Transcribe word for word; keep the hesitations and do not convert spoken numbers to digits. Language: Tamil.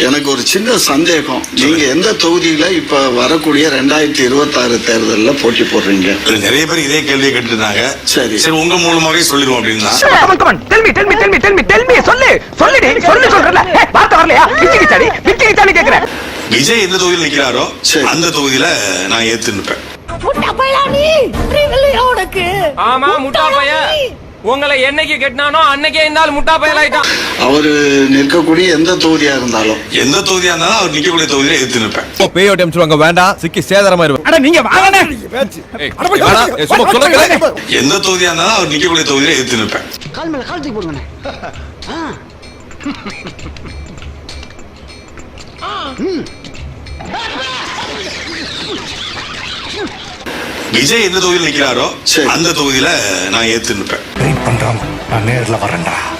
எனக்கு ஒரு சின்ன சந்தேகம், நீங்க எந்த தொகுதியில இப்ப வரக்கூடிய ரெண்டாயிரத்தி இருபத்தி ஆறு தேர்தலில் போட்டி போடுறீங்க? நிறைய பேர் இதே கேள்வியை கேட்டுருந்தாங்க. சரி சரி, உங்க மூலமாவே சொல்லிடுவோம் அப்படின்னா. விஜய் எந்த தொகுதியில் நிக்கிறாரோ அந்த தொகுதியில நான் ஏத்து நிற்பேன். ஆமா, முட்டா பையன். உங்களை என்னைக்கு கெட்டினானோ அன்னைக்கே இருந்தாலும் முட்டா பயலாயிட்டான். அவரு நிற்கக்கூடிய எந்த தொகுதியா இருந்தாலும் எந்த தொகுதியா இருந்தாலும் அவர் நிக்கக்கூடிய தொகுதியில எதிர்த்து நிற்பேன். பேயோட சொல்லுவாங்க, வேண்டாம் சிக்கி சேதாரமாயிருவேன். எந்த தொகுதியா இருந்தாலும் அவர் நிக்கக்கூடிய தொகுதியில எதிர்த்து நிற்பேன். கால் மேல கால் தூக்கி போடுங்க. விஜய் எந்த தொகுதியில் நிக்கிறாரோ அந்த தொகுதியில நான் ஏத்து நிற்பேன். வெயிட் பண்றோம், நான் நேர்ல வரேன்டா.